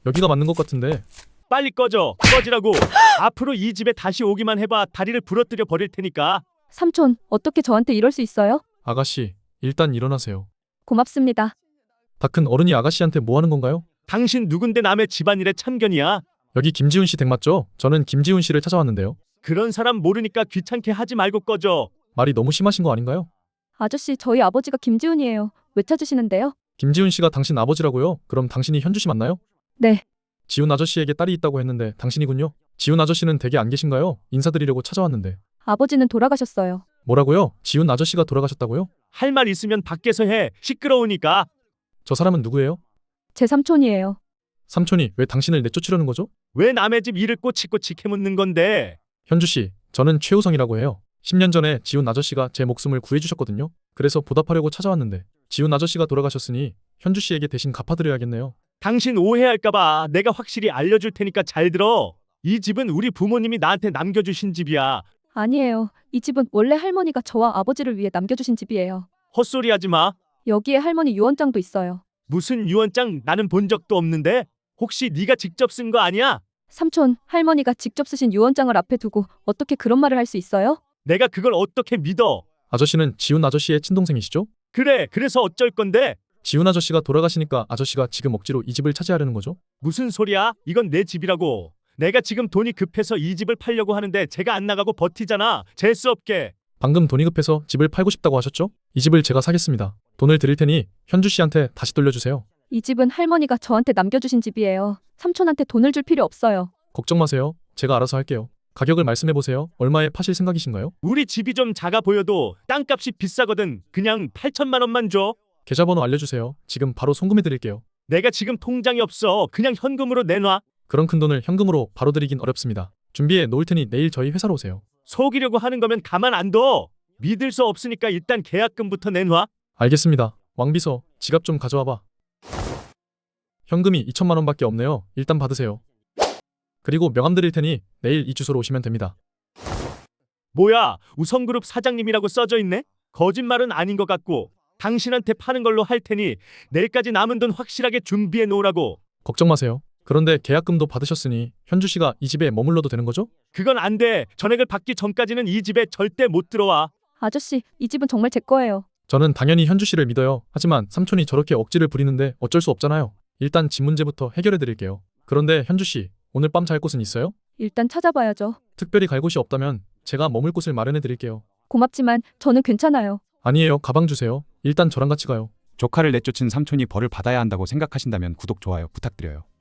여기가 맞는 것 같은데. 빨리 꺼져. 꺼지라고. 앞으로 이 집에 다시 오기만 해봐. 다리를 부러뜨려 버릴 테니까. 삼촌, 어떻게 저한테 이럴 수 있어요? 아가씨, 일단 일어나세요. 고맙습니다. 다 큰 어른이 아가씨한테 뭐 하는 건가요? 당신 누군데 남의 집안일에 참견이야? 여기 김지훈 씨 댁 맞죠? 저는 김지훈 씨를 찾아왔는데요. 그런 사람 모르니까 귀찮게 하지 말고 꺼져. 말이 너무 심하신 거 아닌가요? 아저씨, 저희 아버지가 김지훈이에요. 왜 찾으시는데요? 김지훈 씨가 당신 아버지라고요? 그럼 당신이 현주 씨 맞나요? 네. 지훈 아저씨에게 딸이 있다고 했는데 당신이군요. 지훈 아저씨는 댁에 안 계신가요? 인사드리려고 찾아왔는데. 아버지는 돌아가셨어요. 뭐라고요? 지훈 아저씨가 돌아가셨다고요? 할 말 있으면 밖에서 해. 시끄러우니까. 저 사람은 누구예요? 제 삼촌이에요. 삼촌이 왜 당신을 내쫓으려는 거죠? 왜 남의 집 일을 꼬치꼬치 캐묻는 건데? 현주 씨, 저는 최우성이라고 해요. 10년 전에 지훈 아저씨가 제 목숨을 구해주셨거든요. 그래서 보답하려고 찾아왔는데 지훈 아저씨가 돌아가셨으니 현주 씨에게 대신 갚아드려야겠네요. 당신 오해할까봐 내가 확실히 알려줄 테니까 잘 들어. 이 집은 우리 부모님이 나한테 남겨주신 집이야. 아니에요. 이 집은 원래 할머니가 저와 아버지를 위해 남겨주신 집이에요. 헛소리 하지 마. 여기에 할머니 유언장도 있어요. 무슨 유언장 나는 본 적도 없는데? 혹시 네가 직접 쓴 거 아니야? 삼촌, 할머니가 직접 쓰신 유언장을 앞에 두고 어떻게 그런 말을 할 수 있어요? 내가 그걸 어떻게 믿어? 아저씨는 지훈 아저씨의 친동생이시죠? 그래, 그래서 어쩔 건데? 지훈 아저씨가 돌아가시니까 아저씨가 지금 억지로 이 집을 차지하려는 거죠? 무슨 소리야? 이건 내 집이라고. 내가 지금 돈이 급해서 이 집을 팔려고 하는데 제가 안 나가고 버티잖아. 재수 없게. 방금 돈이 급해서 집을 팔고 싶다고 하셨죠? 이 집을 제가 사겠습니다. 돈을 드릴 테니 현주 씨한테 다시 돌려주세요. 이 집은 할머니가 저한테 남겨주신 집이에요. 삼촌한테 돈을 줄 필요 없어요. 걱정 마세요. 제가 알아서 할게요. 가격을 말씀해보세요. 얼마에 파실 생각이신가요? 우리 집이 좀 작아 보여도 땅값이 비싸거든. 그냥 8천만 원만 줘. 계좌번호 알려주세요. 지금 바로 송금해드릴게요. 내가 지금 통장이 없어. 그냥 현금으로 내놔. 그런 큰 돈을 현금으로 바로 드리긴 어렵습니다. 준비해 놓을 테니 내일 저희 회사로 오세요. 속이려고 하는 거면 가만 안 둬. 믿을 수 없으니까 일단 계약금부터 내놔. 알겠습니다. 왕비서, 지갑 좀 가져와봐. 현금이 2천만 원밖에 없네요. 일단 받으세요. 그리고 명함 드릴 테니 내일 이 주소로 오시면 됩니다. 뭐야, 우성그룹 사장님이라고 써져 있네? 거짓말은 아닌 것 같고. 당신한테 파는 걸로 할 테니 내일까지 남은 돈 확실하게 준비해 놓으라고. 걱정 마세요. 그런데 계약금도 받으셨으니 현주 씨가 이 집에 머물러도 되는 거죠? 그건 안 돼. 전액을 받기 전까지는 이 집에 절대 못 들어와. 아저씨, 이 집은 정말 제 거예요. 저는 당연히 현주 씨를 믿어요. 하지만 삼촌이 저렇게 억지를 부리는데 어쩔 수 없잖아요. 일단 집 문제부터 해결해 드릴게요. 그런데 현주 씨, 오늘 밤 잘 곳은 있어요? 일단 찾아봐야죠. 특별히 갈 곳이 없다면 제가 머물 곳을 마련해 드릴게요. 고맙지만 저는 괜찮아요. 아니에요. 가방 주세요. 일단 저랑 같이 가요. 조카를 내쫓은 삼촌이 벌을 받아야 한다고 생각하신다면 구독, 좋아요 부탁드려요.